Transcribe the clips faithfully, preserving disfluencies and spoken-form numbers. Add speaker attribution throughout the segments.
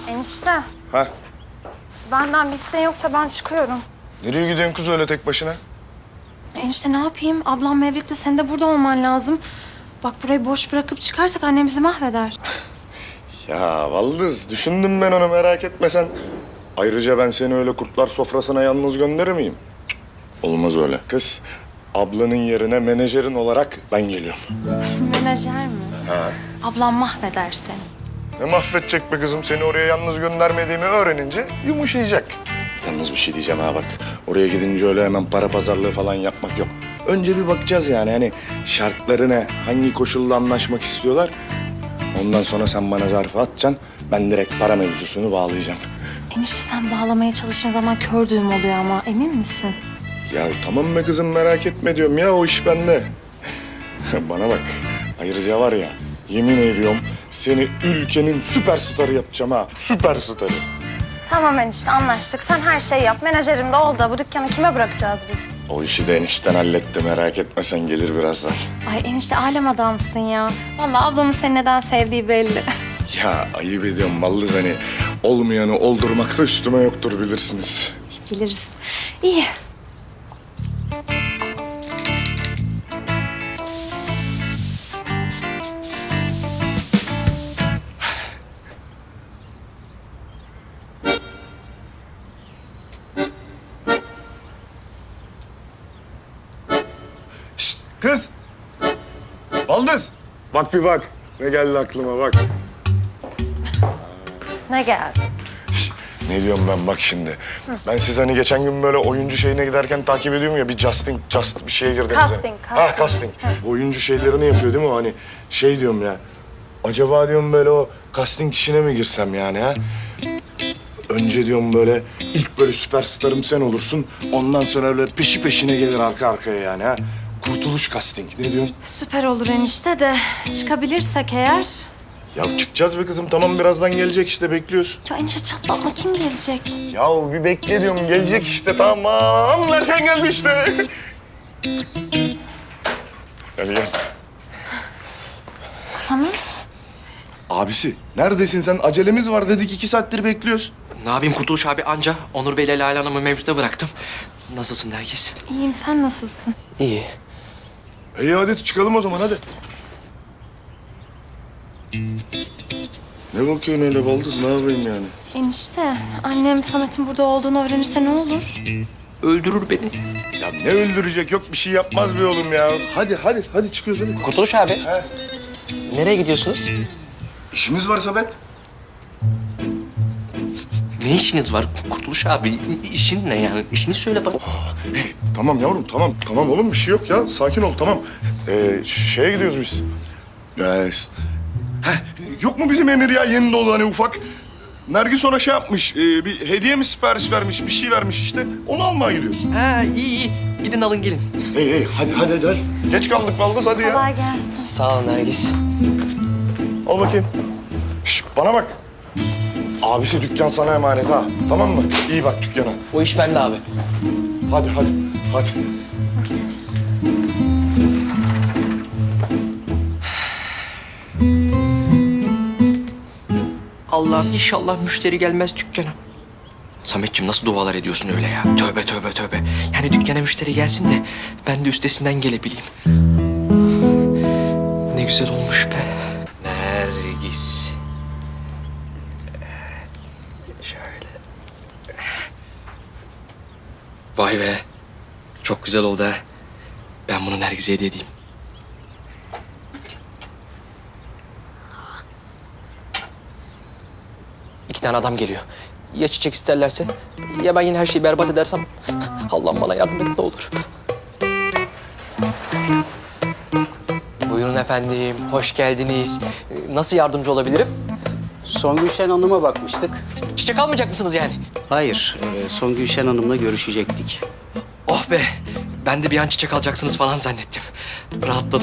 Speaker 1: Enişte,
Speaker 2: Ha?
Speaker 1: benden bir isteğin yoksa ben çıkıyorum.
Speaker 2: Nereye gidiyorsun kız öyle tek başına?
Speaker 1: Enişte ne yapayım? Ablam Mevlüt'te senin de burada olman lazım. Bak burayı boş bırakıp çıkarsak annem bizi mahveder.
Speaker 2: Ya Valdız, düşündüm ben onu, merak etme sen. Ayrıca ben seni öyle kurtlar sofrasına yalnız gönderir miyim? Cık, olmaz öyle. Kız, ablanın yerine menajerin olarak ben geliyorum.
Speaker 1: Menajer mi?
Speaker 2: Ha.
Speaker 1: Ablam mahveder seni.
Speaker 2: Ne mahvedecek be kızım, seni oraya yalnız göndermediğimi öğrenince yumuşayacak. Yalnız bir şey diyeceğim ha bak. Oraya gidince öyle hemen para pazarlığı falan yapmak yok. Önce bir bakacağız yani hani şartları ne, hangi koşulla anlaşmak istiyorlar. Ondan sonra sen bana zarfı atacaksın, ben direkt para mevzusunu bağlayacağım.
Speaker 1: Enişte sen bağlamaya çalıştığın zaman kör düğüm oluyor ama emin misin?
Speaker 2: Ya tamam be kızım, merak etme diyorum ya, o iş bende. Bana bak, ayrıca var ya, yemin ediyorum seni ülkenin süperstarı yapacağım ha, süperstarı.
Speaker 1: Tamam enişte anlaştık. Sen her şeyi yap. Menajerim de ol da bu dükkanı kime bırakacağız biz?
Speaker 2: O işi de enişten halletti, merak etme sen, gelir birazdan.
Speaker 1: Ay enişte alem adamsın ya. Vallahi ablamın seni neden sevdiği belli.
Speaker 2: Ya ayıp ediyorum Valdız, hani olmayanı oldurmakta üstüme yoktur bilirsiniz.
Speaker 1: Biliriz. İyi.
Speaker 2: Şşt kız! Valdız! Bak bir bak, ne geldi aklıma bak.
Speaker 1: Ne geldi?
Speaker 2: Ne diyorum ben bak şimdi. Ben siz hani geçen gün böyle oyuncu şeyine giderken takip ediyorum ya, bir casting, just bir şeye girdiniz.
Speaker 1: Casting,
Speaker 2: Ha
Speaker 1: casting.
Speaker 2: casting. Bu oyuncu şeylerini yapıyor değil mi o hani? Şey diyorum ya. Acaba diyorum böyle o casting işine mi girsem yani ha? Önce diyorum böyle ilk böyle süperstarım sen olursun. Ondan sonra öyle peşi peşine gelir arka arkaya yani ha. Kurtuluş casting, ne diyorsun?
Speaker 1: Süper olur enişte de çıkabilirsek eğer.
Speaker 2: Ya çıkacağız be kızım, tamam birazdan gelecek işte, bekliyoruz.
Speaker 1: Ya enişte çatlatma kim gelecek?
Speaker 2: Ya bir bekle diyorum, gelecek işte, tamam. Nereden geldi işte. Gel gel.
Speaker 1: Samet.
Speaker 2: Abisi neredesin sen? Acelemiz var dedik, iki saattir bekliyoruz.
Speaker 3: Ne yapayım Kurtuluş abi, anca Onur Bey'le Lale Hanım'ı Mevlüt'e bıraktım. Nasılsın Nergis?
Speaker 1: İyiyim sen nasılsın?
Speaker 3: İyi.
Speaker 2: İyi hadi çıkalım o zaman, hadi. Ne bakıyorsun öyle Baldız, ne yapayım yani?
Speaker 1: Enişte annem Samet'in burada olduğunu öğrenirse ne olur?
Speaker 3: Öldürür beni.
Speaker 2: Ya ne öldürecek, yok bir şey yapmaz bir oğlum ya. Hadi hadi hadi çıkıyoruz hadi.
Speaker 3: Kurtuluş abi.
Speaker 2: He.
Speaker 3: Nereye gidiyorsunuz?
Speaker 2: İşimiz var Sabet.
Speaker 3: Ne işiniz var Kurtuluş abi? İşin ne yani? İşini söyle bana.
Speaker 2: Hey, tamam yavrum, tamam. Tamam oğlum, bir şey yok ya. Sakin ol, tamam. Ee, şeye gidiyoruz biz. Ee, heh, yok mu bizim Emir ya, yeni dolu hani ufak? Nergis ona şey yapmış, e, bir hediye mi sipariş vermiş, bir şey vermiş işte. Onu almaya gidiyorsun.
Speaker 3: Ha iyi iyi. Gidin alın gelin.
Speaker 2: Hey hey, hadi hadi hadi. hadi. Geç kaldık Baldız, hadi ya.
Speaker 1: Kolay gelsin.
Speaker 3: Sağ ol Nergis.
Speaker 2: Al bakayım. Şş, bana bak. Abisi dükkan sana emanet ha. Tamam mı? İyi bak dükkana.
Speaker 3: O iş bende abi.
Speaker 2: Hadi hadi hadi.
Speaker 3: Allah'ım inşallah müşteri gelmez dükkana. Sametciğim nasıl dualar ediyorsun öyle ya? Tövbe tövbe tövbe. Yani dükkana müşteri gelsin de ben de üstesinden gelebileyim. Ne güzel olmuş be. Nergis. Şöyle. Vay be. Çok güzel oldu ha. Ben bunu Nergis'e hediye edeyim. İki tane adam geliyor. Ya çiçek isterlerse, ya ben yine her şeyi berbat edersem... Allah'ım bana yardım et ne olur. Buyurun efendim, hoş geldiniz. Nasıl yardımcı olabilirim?
Speaker 4: Songül Şen Hanım'a bakmıştık.
Speaker 3: Çiçek almayacak mısınız yani?
Speaker 4: Hayır, e, Songül Şen Hanım'la görüşecektik.
Speaker 3: Oh be, ben de bir an çiçek alacaksınız falan zannettim. Rahatladım.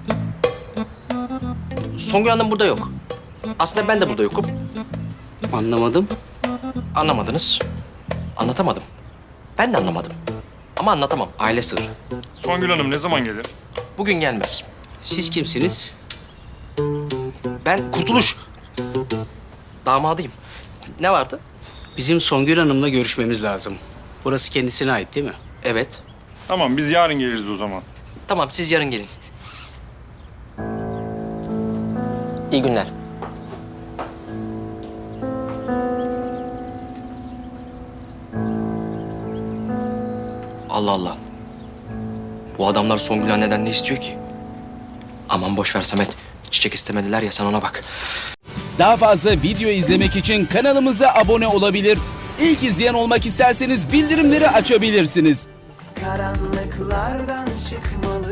Speaker 3: Songül Hanım burada yok. Aslında ben de burada yokum.
Speaker 4: Anlamadım.
Speaker 3: Anlamadınız. Anlatamadım. Ben de anlamadım. Ama anlatamam. Aile sırrı.
Speaker 5: Songül Hanım ne zaman gelir?
Speaker 3: Bugün gelmez.
Speaker 4: Siz kimsiniz?
Speaker 3: Ben Kurtuluş. Damadıyım. Ne vardı?
Speaker 4: Bizim Songül Hanım'la görüşmemiz lazım. Burası kendisine ait değil mi?
Speaker 3: Evet.
Speaker 5: Tamam biz yarın geliriz o zaman.
Speaker 3: Tamam siz yarın gelin. İyi günler. Allah Allah. Bu adamlar Songül anneden ne istiyor ki? Aman boş ver Samet. Çiçek istemediler ya sen ona bak.
Speaker 6: Daha fazla video izlemek için kanalımıza abone olabilir. İlk izleyen olmak isterseniz bildirimleri açabilirsiniz.
Speaker 7: Karanlıklardan çıkmalı